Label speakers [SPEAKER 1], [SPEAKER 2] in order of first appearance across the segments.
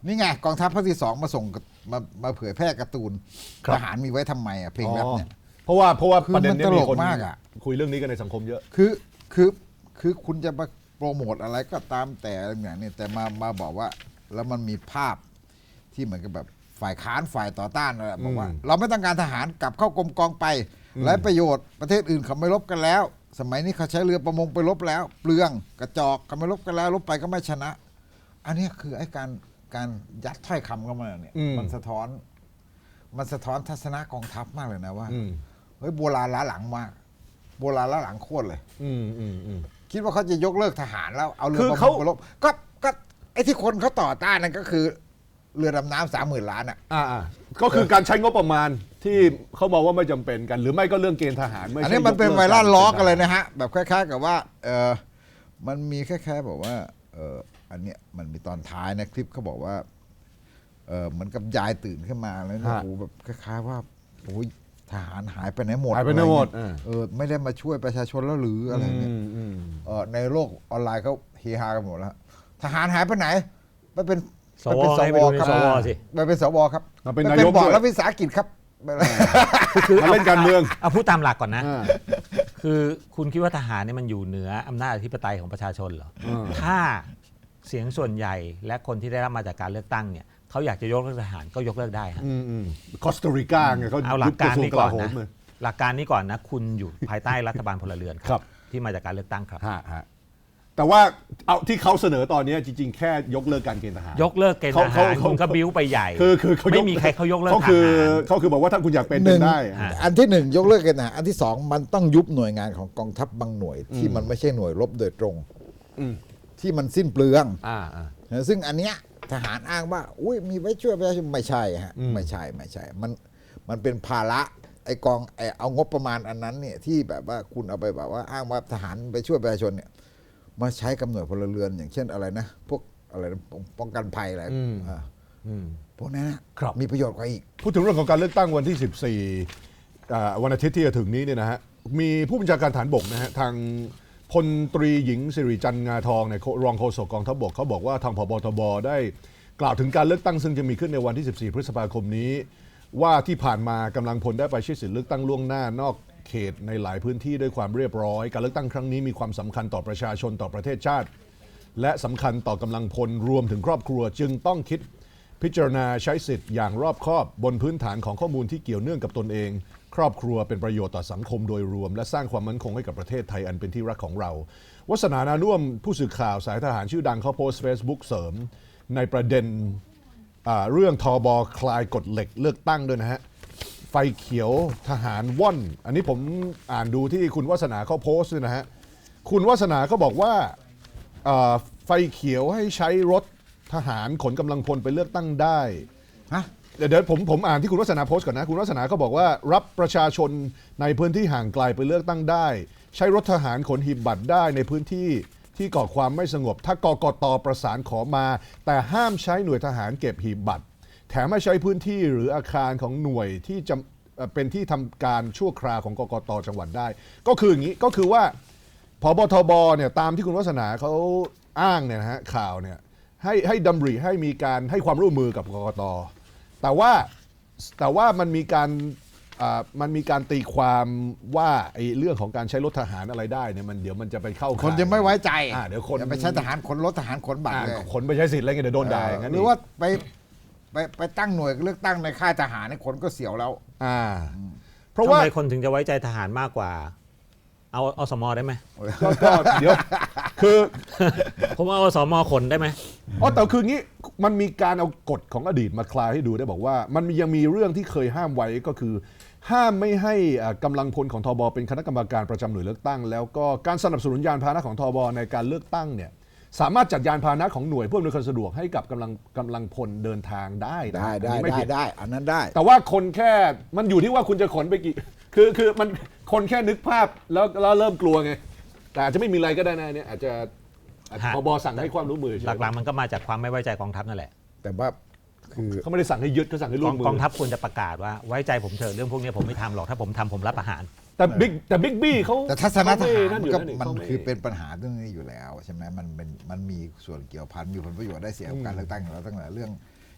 [SPEAKER 1] นี่ไงกองทัพภาคที่2มาส่งมาเผยแพร่การ์ตูนทหารมีไว้ทำไมเพลงแรปเนี่ย
[SPEAKER 2] เพราะว่าประเด็นนี้มีคน
[SPEAKER 1] มากอ่ะ
[SPEAKER 2] คุยเรื่องนี้กันในสังคมเยอะ
[SPEAKER 1] คือคุณจะมาโปรโมทอะไรก็ตามแต่อะไรอย่างนี้แต่มาบอกว่าแล้วมันมีภาพที่เหมือนกับแบบฝ่ายค้านฝ่ายต่อต้านอะไรบอกว่าเราไม่ต้องการทหารกลับเข้ากรมกองไปไร้ประโยชน์ประเทศอื่นเขาไม่รบกันแล้วสมัยนี้เขาใช้เรือประมงไปรบแล้วเปลืองกระจอกเขาไม่รบกันแล้วรบไปก็ไม่ชนะอันนี้คือไอ้การยัดถ้อยคำเข้ามาเนี่ยมันสะท้อนทัศนะกองทัพมากเลยนะว่าเฮ้ยโบราณล้าหลังมากโบราณล้าหลังโคตรเลยคิดว่าเขาจะยกเลิกทหารแล้วเอาเรือประมงไปรบก็ไอ้ที่คนเขาต่อต้านนั่นก็คือเรือดำน้ำ30,000 ล้านอ่ะ
[SPEAKER 2] ก็คือการใช้งบประมาณที่เขาบอกว่าไม่จำเป็นกันหรือไม่ก็เรื่องเกณฑ์ทหารไม่ใช่
[SPEAKER 1] อันนี้มันเป็นไวรัลล้อกันเลยนะฮะแบบคล้ายๆกับว่ามันมีคล้ายๆบอกว่าอันเนี้ยมันมีตอนท้ายนะคลิปเขาบอกว่าเหมือนกับยายตื่นขึ้นมาแล้วเนี่ยโอ้แบบคล้ายๆว่าโอ้ยทหารหายไปไหนหมดไม่ได้มาช่วยประชาชนแล้วหรืออะไรเนี่ยในโลกออนไลน์เขาเฮฮากันหมดแล้วทหารหายไปไหนไปเป็น
[SPEAKER 3] สวครับ
[SPEAKER 1] ไปเป็นสวครับ
[SPEAKER 2] เป็นนายก
[SPEAKER 1] บอกรัฐวิสาหกิจครับ
[SPEAKER 2] คือเล่นการเมือง
[SPEAKER 3] เอาพูดตามหลักก่อนนะคือคุณคิดว่าทหารเนี่ยมันอยู่เหนืออำนาจอธิปไตยของประชาชนเหรอถ้าเสียงส่วนใหญ่และคนที่ได้รับมาจากการเลือกตั้งเนี่ยเขาอยากจะยกเลิกทหารก็ยกเลิกได้ครับ
[SPEAKER 2] คอสตาริกาไงเขา
[SPEAKER 3] เอาหลักการนี้ก่อนนะหลักการนี้ก่อนนะคุณอยู่ภายใต้รัฐบาลพลเรือนครับที่มาจากการเลือกตั้งครับ
[SPEAKER 2] แต่ว่าเอาที่เขาเสนอตอนนี้จริงๆแค่ยกเลิกการเกณฑ์ทหาร
[SPEAKER 3] ยกเลิกเกณฑ์ทหารคุณก็บิ้วไปใหญ่
[SPEAKER 2] คือ
[SPEAKER 3] ไม่มีใครเขายกเลิกทหาร
[SPEAKER 2] เขาคือบอกว่าถ้าคุณอยากเป็นได้
[SPEAKER 1] อันที่1ยกเลิกเกณฑ์ทหารอันที่2มันต้องยุบหน่วยงานของกองทัพบางหน่วยที่มันไม่ใช่หน่วยรบโดยตรงที่มันสิ้นเปลืองซึ่งอันเนี้ยทหารอ้างว่าอุ้ยมีไว้ช่วยประชาชนไม่ใช่ฮะไม่ใช่มันเป็นภาระไอกองเอางบประมาณอันนั้นเนี่ยที่แบบว่าคุณเอาไปแบบว่าอ้างว่าทหารไปช่วยประชาชนเนี่ยมาใช้กับหน่วยพลเรือนอย่างเช่นอะไรนะพวกอะไรป้องกันภัยอะไรพวกนั้นมีประโยชน์กว่าอีก
[SPEAKER 2] พูดถึงเรื่องของการเลือกตั้งวันที่14วันอาทิตย์ที่จะถึงนี้เนี่ยนะฮะมีผู้บัญชาการฐานบกนะฮะทางพลตรีหญิงสิริจันทร์งาทองในรองโฆษกกองทัพบกเขาบอกว่าทางผบ.ทบ.ได้กล่าวถึงการเลือกตั้งซึ่งจะมีขึ้นในวันที่14พฤษภาคมนี้ว่าที่ผ่านมากำลังพลได้ไปใช้สิทธิเลือกตั้งล่วงหน้านอกเขตในหลายพื้นที่ด้วยความเรียบร้อยการเลือกตั้งครั้งนี้มีความสำคัญต่อประชาชนต่อประเทศชาติและสำคัญต่อกำลังพลรวมถึงครอบครัวจึงต้องคิดพิจารณาใช้สิทธิ์อย่างรอบคอบบนพื้นฐานของข้อมูลที่เกี่ยวเนื่องกับตนเองครอบครัวเป็นประโยชน์ต่อสังคมโดยรวมและสร้างความมั่นคงให้กับประเทศไทยอันเป็นที่รักของเราวสนานานุ่วมผู้สื่อข่าวสายทหารชื่อดังเขาโพสต์ Facebook เสริมในประเด็นเรื่องทบ.คลายกฎเหล็กเลือกตั้งด้วยนะฮะไฟเขียวทหารว่อนอันนี้ผมอ่านดูที่คุณวาสนาเขาโพสต์ด้วยนะฮะคุณวาสนาเขาบอกว่าไฟเขียวให้ใช้รถทหารขนกำลังพลไปเลือกตั้งได้เดี๋ยวผมอ่านที่คุณวาสนาโพสต์ก่อนนะคุณวาสนาเขาบอกว่ารับประชาชนในพื้นที่ห่างไกลไปเลือกตั้งได้ใช้รถทหารขนหีบบัตรได้ในพื้นที่ที่ก่อความไม่สงบถ้ากกต.ประสานขอมาแต่ห้ามใช้หน่วยทหารเก็บหีบบัตรแถมไม่ใช้พื้นที่หรืออาคารของหน่วยที่จะเป็นที่ทำการชั่วคราวของกกต.จังหวัดได้ก็คืออย่างนี้ก็คือว่าผบ.ทบ.เนี่ยตามที่คุณวาสนาเขาอ้างเนี่ยนะฮะข่าวเนี่ยให้ดำริให้มีการให้ความร่วมมือกับกกต.แต่ว่ามันมีการตีความว่าไอ้เรื่องของการใช้รถทหารอะไรได้เนี่ยมันเดี๋ยวมันจะไปเข้า
[SPEAKER 1] คนจะไม่ไว้ใจ
[SPEAKER 2] เดี๋ยวคน
[SPEAKER 1] ไปใช้ทหารขนรถทหารขนบัตรเลย
[SPEAKER 2] ขนไปใช้สิทธิ์อะไรเงี้ยเดี๋ยวโดนด่าอย่างนั้น
[SPEAKER 1] หรือว่าไปตั้งหน่วยเลือกตั้งในค่ายทหารในคนก็เสียวแล้ว
[SPEAKER 3] เพราะว่าทำไมคนถึงจะไว้ใจทหารมากกว่าเอาสม.ได้ไหม
[SPEAKER 2] ก็เดี๋ยวคือ
[SPEAKER 3] ผมเอาสม.ขนได้ไหม
[SPEAKER 2] แต่คืองี้มันมีการเอากฎของอดีตมาคลายให้ดูได้บอกว่ามันยังมีเรื่องที่เคยห้ามไว้ก็คือห้ามไม่ให้กำลังพลของทบ.เป็นคณะกรรมการประจำหน่วยเลือกตั้งแล้วก็การสนับสนุนยานพาหนะของทบ.ในการเลือกตั้งเนี่ยสามารถจัดยานพาหนะของหน่วยเพื่ออำนวยความสะดวกให้กับกำลังพลเดินทางได้
[SPEAKER 1] อันนั้นได้
[SPEAKER 2] แต่ว่าคนแค่มันอยู่ที่ว่าคุณจะขนไปกี่คือมันคนแค่นึกภาพแล้วเริ่มกลัวไงแต่อาจจะไม่มีอะไรก็ได้นะเนี่ยอาจจะผบ.สั่งให้ความร่วมมือ
[SPEAKER 3] หลักๆมันก็มาจากความไม่ไว้ใจกองทัพนั่นแหละ
[SPEAKER 1] แต่ว่า
[SPEAKER 2] คือเขาไม่ได้สั่งให้ยึดเขาสั่งให้ร่วมมือก
[SPEAKER 3] องทัพควรจะประกาศว่าไว้ใจผมเถอะเรื่องพวกนี้ผมไม่ทำหรอกถ้าผมทำผมรับอาหาร
[SPEAKER 2] แต่บิ๊กบี้เขา
[SPEAKER 1] แต่ทัศนคติมันคือเป็นปัญหาเรื่องนี้อยู่แล้วใช่ไหมมันมีส่วนเกี่ยวพันมีผลประโยชน์ได้เสียกับการเลือกตั้งอยู่แล้วตั้งแต่เรื่อง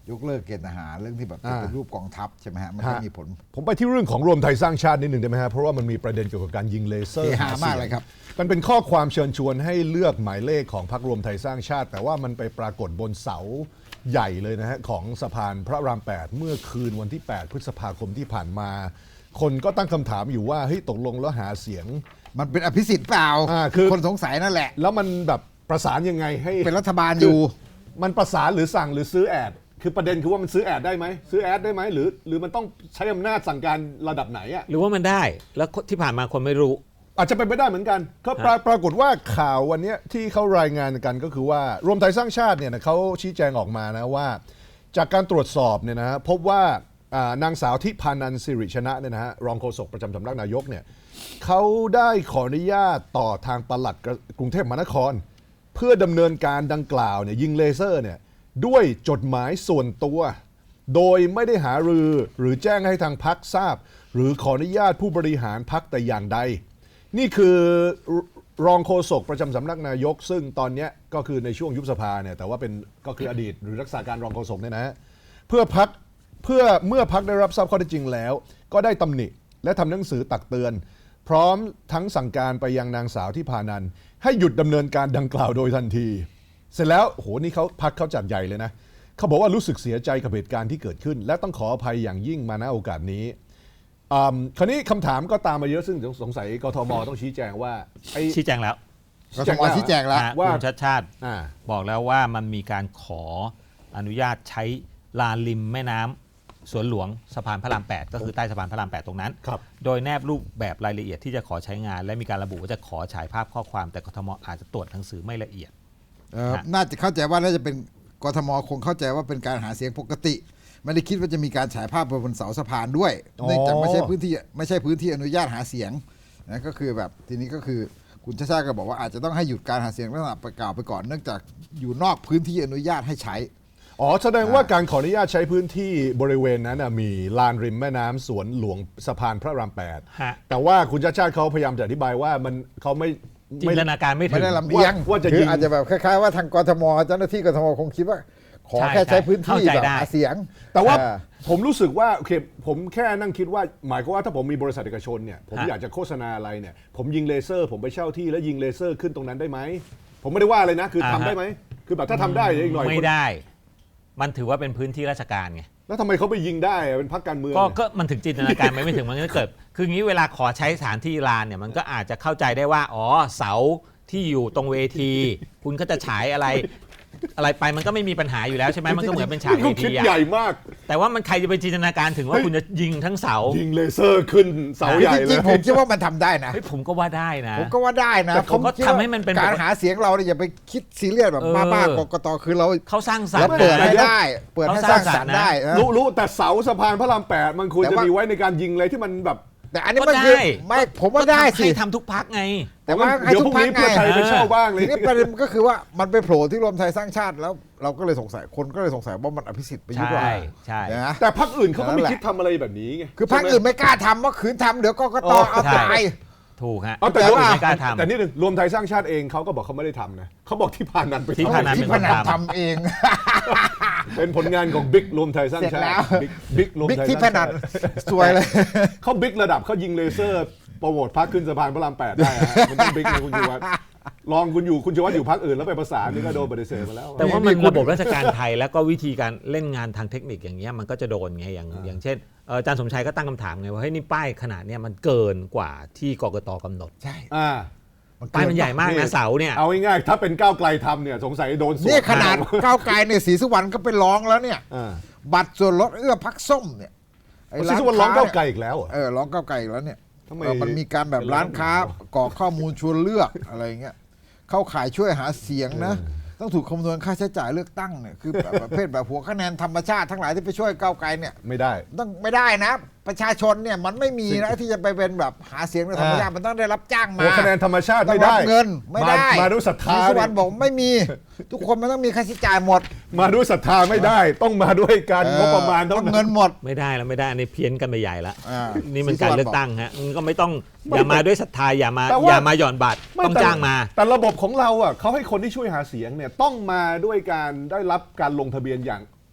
[SPEAKER 1] ยกเลิกเกณฑ์ทหารเรื่องที่แบบเป็นรูปกองทัพใช่ไหมฮะมันก็มีผล
[SPEAKER 2] ผมไปที่เรื่องของรวมไทยสร้างชาตินิดหนึ่งได้ไหมฮะเพราะว่ามันมีประเด็นเกี่ยวกับการยิงเลเซอร์
[SPEAKER 1] เสียหามากเลยครับ
[SPEAKER 2] มันเป็นข้อความเชิญชวนให้เลือกหมายเลขของพรรครวมไทยสร้างชาติ แต่ว่ามันไปปรากฏบนเสาใหญ่เลยนะฮะของสะพานพระราม 8 เมื่อคืนวันที่ 8 พฤษภาคมที่ผ่านมา คนก็ตั้งคำถามอยู่ว่าเฮ้ยตกลงแล้วหาเสียง
[SPEAKER 1] มันเป็นอภิสิทธิ์เปล่า
[SPEAKER 2] คือ
[SPEAKER 1] คนสงสัยนั่นแหละ
[SPEAKER 2] แล้วมันแบบประสานยังไงให้
[SPEAKER 1] เป็นรัฐบาลอยู่
[SPEAKER 2] มันประสานหรือสั่งหรือซื้อแอดคือประเด็นคือว่ามันซื้อแอดได้ไหมซื้อแอดได้ไหมหรือมันต้องใช้อำนาจสั่งการระดับไหนอ่ะ
[SPEAKER 3] หรือว่ามันได้แล้วที่ผ่านมาคนไม่รู้
[SPEAKER 2] อาจจะเป็นไปได้เหมือนกันก็ปรากฏว่าข่าววันนี้ที่เขารายงานกันก็คือว่ารวมไทยสร้างชาติเนี่ยนะเขาชี้แจงออกมานะว่า จากการตรวจสอบเนี่ยนะฮะพบว่านางสาวทิพานันท์สิริชนะเนี่ยนะฮะรองโฆษกประจำสำนักนายกเนี่ยเขาได้ขออนุญาตต่อทางปลัดกรุงเทพมหานคร เพื่อดำเนินการดังกล่าวเนี่ยยิงเลเซอร์เนี่ยด้วยจดหมายส่วนตัว โดยไม่ได้หารือหรือแจ้งให้ทางพรรคทราบ หรือขออนุญาตผู้บริหารพรรคแต่อย่างใด นี่คือรองโฆษกประจำสำนักนายก ซึ่งตอนนี้ก็คือในช่วงยุบสภาเนี่ยแต่ว่าเป็นก็คืออดีตหรือรักษาการรองโฆษกเนี่ยนะฮะเมื่อพรรคได้รับทราบข้อเท็จจริงแล้ว ก็ได้ตำหนิและทำหนังสือตักเตือน พร้อมทั้งสั่งการไปยังนางสาวที่พานันท์ให้หยุดดำเนินการดังกล่าวโดยทันที เสร็จแล้วโหนี่เขาพรรคเขาจัดใหญ่เลยนะเขาบอกว่ารู้สึกเสียใจกับเหตุการณ์ที่เกิดขึ้น และต้องขออภัยอย่างยิ่งมาณโอกาสนี้คราวนี้คำถามก็ตามมาเยอะซึ่งสงสัยกทมต้องชี้แจงว่า
[SPEAKER 3] ชี้แจงแล้ว
[SPEAKER 1] กทมชี้แจงแล้ว
[SPEAKER 2] ว่า
[SPEAKER 3] คุณชัดชาติบอกแล้วว่ามันมีการขออนุญาตใช้ลานริมแม่น้ำสวนหลวงสะพานพระราม 8 ก็คือใต้สะพานพระราม 8 ตรงนั้น โดยแนบรูปแบบรายละเอียดที่จะขอใช้งาน และมีการระบุว่าจะขอฉายภาพข้อความแต่กทมอาจจะตรวจหนังสือไม่ละเอียด
[SPEAKER 1] น่าจะเข้าใจว่าน่าจะเป็นกทมคงเข้าใจว่าเป็นการหาเสียงปกติ ไม่ได้คิดว่าจะมีการฉายภาพบนเสาสะพานด้วยเนื่องจากไม่ใช่พื้นที่อนุญาตหาเสียงนะก็คือแบบทีนี้ก็คือคุณชาติชาติก็บอกว่าอาจจะต้องให้หยุดการหาเสียงลักษณะประกาศไปก่อนเนื่องจากอยู่นอกพื้นที่อนุญาตให้ใช้
[SPEAKER 2] แสดงว่าการขออนุญาตใช้พื้นที่บริเวณนั้นมีลานริมแม่น้ำสวนหลวงสะพานพระราม 8 แต่ว่าคุณชาติชาติเขาพยายามจะอธิบายว่าเขาไม่
[SPEAKER 3] จินตนาการไม่ถึง
[SPEAKER 1] ไม่ได้ลำเอียง
[SPEAKER 2] ว่าจะ
[SPEAKER 1] คื
[SPEAKER 2] ยิ
[SPEAKER 1] อง อาจจะแบบคล้ายๆว่าทางกทมเจ้าหน้าที่กทมคงคิดว่าขอแค่ใช้พื้นที่แบบหาเสียง
[SPEAKER 2] แต่ว่าผมรู้สึกว่าโอเคผมแค่นั่งคิดว่าหมายความว่าถ้าผมมีบริษัทเอกชนเนี่ยผมอยากจะโฆษณาอะไรเนี่ยผมยิงเลเซอร์ผมไปเช่าที่แล้วยิงเลเซอร์ขึ้นตรงนั้นได้ไหมผมไม่ได้ว่าเลยนะคือทำได้ไหมคือแบบถ้าทำได้อีกหน่อย
[SPEAKER 3] ไม่ได้มันถือว่าเป็นพื้นที่ราชการไง
[SPEAKER 2] แล้วทำไมเขาไปยิงได้เป็นพรรคการเมือง
[SPEAKER 3] ก็มันถึงจินตนาการไม่ถึงมันก็เกิดคืองี้เวลาขอใช้สถานที่ลานเนี่ยมันก็อาจจะเข้าใจได้ว่าอ๋อเสาที่อยู่ตรงเวทีคุณก็จะฉายอะไรไปมันก็ไม่มีปัญหาอยู่แล้วใช่ไหมมันก็เหมือนเป็นฉากเวที
[SPEAKER 2] ใหญ่มาก
[SPEAKER 3] แต่ว่ามันใครจะไปจินตนาการถึงว่าคุณจะยิงทั้งเสา
[SPEAKER 2] ยิงเลเซอร์ขึ้นเสาใหญ่เลย
[SPEAKER 1] จริงๆผมคิดว่ามันทำได้นะ
[SPEAKER 3] ผมก็ว่าได้นะ
[SPEAKER 1] ผมก็ว่าได้นะ
[SPEAKER 3] ผมก็ทำให้มันเป็น
[SPEAKER 1] การหาเสียงเราเนี่ยอย่าไปคิดซีเรียสแบบบ้าๆกกตคือเรา
[SPEAKER 3] เขาสร้างสรรค์
[SPEAKER 1] เปิดให้ได้เปิดให้สร้างสรรค์ได้
[SPEAKER 2] รู้แต่เสาสะพานพระราม 8มันควรจะมีไว้ในการยิงอะไรที่มันแบบ
[SPEAKER 1] แต่อันนี้มันคือไม่ผมว่าได้สิ
[SPEAKER 3] ทำทุกพักไง
[SPEAKER 1] แต่ว่าให้ทุกพักไง
[SPEAKER 2] ไปเช่าบ้างเลย
[SPEAKER 1] ทีนี้ประเด็นก็คือว่ามันไปโผล่ที่รวมไทยสร้างชาติแล้วเราก็เลยสงสัยคนก็เลยสงสัยว่ามันอภิสิทธิ์ไปยุบว่า
[SPEAKER 3] ใช่
[SPEAKER 2] แต่พรรคอื่นเขาก็ไม่คิดทำอะไรแบบนี้ไง
[SPEAKER 1] คือพรรคอื่นไม่กล้าทำว่าขืนทำเดี๋ยวกกตเอาตาย
[SPEAKER 3] ถูกฮะ
[SPEAKER 2] แต่ว่าแต่นี่หนึ่งรวมไทยสร้างชาติเองเขาก็บอกเขาไม่ได้ทำนะเขาบอกที่พานันไป
[SPEAKER 3] ที่พานัน
[SPEAKER 1] ทำเอง
[SPEAKER 2] เป็นผลงานของบิ๊กรวมไทยสร้างชาติบิ๊กรวมไทย
[SPEAKER 1] ที่พานันสวยเลย
[SPEAKER 2] เขาบิ๊กระดับเขายิงเลเซอร์โปรโมทพรรคขึ้นสะพานพระราม 8ได้มันต้องบิ๊กนะคุณชูวัฒน์ลองคุณชูวัฒน์อยู่พรรคอื่นแล้วไปประสานนี่ก็โดนปฏิเสธมาแล้ว
[SPEAKER 3] แต่ว่ามันระบบราชการไทยแล้วก็วิธีการเล่นงานทางเทคนิคอย่างเงี้ยมันก็จะโดนไงอย่างเช่นอาจารย์สมชัยก็ตั้งคำถามไงว่าเฮ้ยนี่ป้ายขนาดเนี้ยมันเกินกว่าที่กกตกำหนด
[SPEAKER 1] ใช่
[SPEAKER 3] ป้ายมันใหญ่มากนะเสาเนี่ย
[SPEAKER 2] เอาง่ายๆถ้าเป็นก้าวไกลทำเนี่ยสงสัยโดน
[SPEAKER 1] นี่ขนาดก้าวไกลเนี่ยศรีสุวรรณก็ไปร้องแล้วเนี่ยบัตรส่วนลดพรรคส้มเนี่ย
[SPEAKER 2] ศรีสุวรรณร้องก้าวไกลอีกแล้ว
[SPEAKER 1] ร้องก้าวไกลอีกแล้วเนี่ยมันมีการแบบร้านค้ากรอกข้อมูลชวนเลือกอะไรเงี้ยเข้าขายช่วยหาเสียงนะต้องถูกคำนวณค่าใช้จ่ายเลือกตั้งเนี่ยคือประเภทแบบหัวคะแนนธรรมชาติทั้งหลายที่ไปช่วยก้าวไกลเนี่ย
[SPEAKER 2] ไม่ได้
[SPEAKER 1] ต้องไม่ได้นะประชาชนเนี่ยมันไม่มีนะที่จะไปเป็นแบบหาเสียงในธรรมชาติมันต้องได้รับจ้างมา
[SPEAKER 2] หัวคะแนนธรรมชาติไม่ได้
[SPEAKER 1] เงินไม่ได้
[SPEAKER 2] มาด้วยศรัทธา
[SPEAKER 1] สุวรรณบอกไม่มีทุกคนมันต้องมีค่าใช้จ่ายหมด
[SPEAKER 2] มาด้วยศรัทธาไม่ได้ต้องมาด้วยการงบประมาณ
[SPEAKER 1] ต้องเงินหมด
[SPEAKER 3] ไม่ได้แล้วไม่ได้อันนี้เพี้ยนกันไปใหญ่ละนี่มันการเลือกตั้งฮะก็ไม่ต้องอย่ามาด้วยศรัทธาอย่ามาหย่อนบัตรต้องจ้างมา
[SPEAKER 2] แต่ระบบของเราอ่ะเขาให้คนที่ช่วยหาเสียงเนี่ยต้องมาด้วยการได้รับการลงทะเบียนอย่าง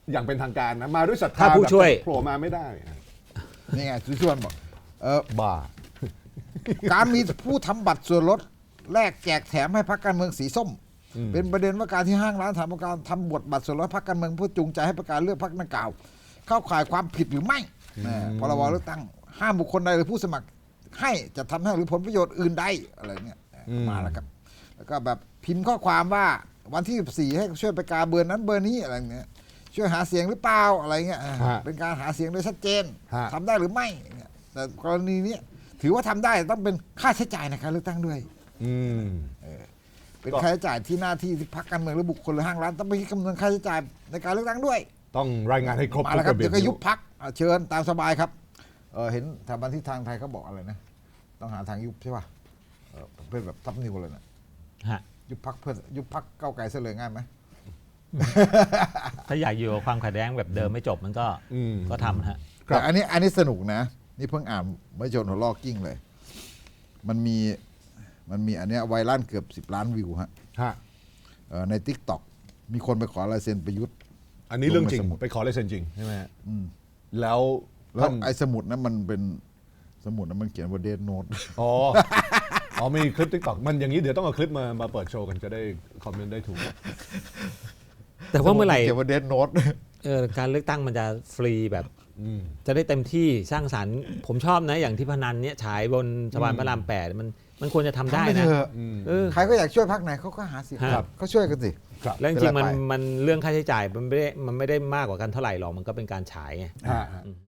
[SPEAKER 2] อย่างเป็นทางการนะมาด้วยศรัทธา
[SPEAKER 3] ถ้าผู้ช่วย
[SPEAKER 2] แบบโผล่มาไม่ได้
[SPEAKER 1] นี่ไงสุชวนบอก
[SPEAKER 2] บ้า
[SPEAKER 1] การมีผู้ทำบัตรส่วนลดแลกแจกแถมให้พรรคการเมืองสีส้ม เป็นประเด็นว่าการที่ห้างร้านทำการทำบทบัตรส่วนลดพรรคการเมืองเพื่อจูงใจให้ประกาศเลือกพรรคดังกล่าว เข้าข่ายความผิดหรือไม่พรบเลือกตั้งห้ามบุคคลใดหรือผู้สมัครให้จะทำให้หรือผลประโยชน์อื่นใดอะไรเงี้ยมาแล้วครับแล้วก็แบบพิมพ์ข้อความว่าวันที่14ให้ช่วยประกาศเบอร์นั้นเบอร์นี้อะไรเงี้ยช่วยหาเสียงหรือเปล่าอะไรเงี้ยเป็นการหาเสียงโดยชัดเจนทำได้หรือไม่แต่กรณีนี้ถือว่าทำได้ต้องเป็นค่าใช้จ่ายในการเลือกตั้งด้วยเป็นค่าใช้จ่ายที่หน้าที่ที่พรรคการเมืองหรือบุคคลหรือห้างร้านต้องไปคิดคำนวณค่าใช้จ่ายในการเลือกตั้งด้วย
[SPEAKER 2] ต้องรายงานให้ครบ
[SPEAKER 1] มา
[SPEAKER 2] ทุ
[SPEAKER 1] แล้ว
[SPEAKER 2] ก
[SPEAKER 1] ครั
[SPEAKER 2] ระ
[SPEAKER 1] บ
[SPEAKER 2] เบีย
[SPEAKER 1] เดี๋
[SPEAKER 2] บ
[SPEAKER 1] ยวก็ยุบพรรคเชิญตามสบายครับเห็นสถาบันทิศทางไทยเขาบอกอะไรนะต้องหาทางยุบใช่ป่ะเพื่อแบบทับนิวเลยนะ
[SPEAKER 3] ฮะ
[SPEAKER 1] ยุบพรรคเพื่อยุบพรรคก้าวไกลเสลยง่ายไหม
[SPEAKER 3] ถ้าอยากอยู่กับความขัดแย้งแบบเดิมไม่จบมันก็ทำนะฮะ
[SPEAKER 1] แต่อันนี้สนุกนะนี่เพิ่งอ่านไม่จนหัวลอกกิ้งเลย มันมีอันเนี้ยไวรัลเกือบ10 ล้านวิวฮะ
[SPEAKER 2] ฮะ
[SPEAKER 1] ใน TikTok มีคนไปขอลายเซ็นประยุทธ์
[SPEAKER 2] อันนี้เรื่องจริง
[SPEAKER 1] ลงในสมุด
[SPEAKER 2] ไปขอลายเซ็นจริงใช่ไหมฮะแล้ว
[SPEAKER 1] แล้ว
[SPEAKER 2] ท่าน
[SPEAKER 1] ไอ้สมุดนั้นมันเป็นสมุดนั้นมันเขียนว่าเดนโนต
[SPEAKER 2] อ๋อมีคลิปติ๊กต็อกมันอย่างนี้เดี๋ยวต้องเอาคลิปมาเปิดโชว์กันจะได้คอมเมนต์ได้ถูก
[SPEAKER 3] แต่ว่าเมื่อไหร่
[SPEAKER 1] เขียนว่าเดนโนต
[SPEAKER 3] การเลือกตั้งมันจะฟรีแบบจะได้เต็มที่สร้างสรรค์ผมชอบนะอย่างที่พนันเนี่ยฉายบนสะพานพระราม8มันควรจะทำได้
[SPEAKER 1] ทำไป
[SPEAKER 3] นะ
[SPEAKER 1] เถอะ ใครก็อยากช่วยพรรคไหนเขาก็หาเสียง
[SPEAKER 3] ครับ
[SPEAKER 1] เขาช่วยกันสิ
[SPEAKER 3] แล้วจริงๆ
[SPEAKER 1] เป็นไรไป
[SPEAKER 3] มันเรื่องค่าใช้จ่ายมันไม่ได้มากกว่ากันเท่าไหร่หรอกมันก็เป็นการฉายไง
[SPEAKER 2] ฮะ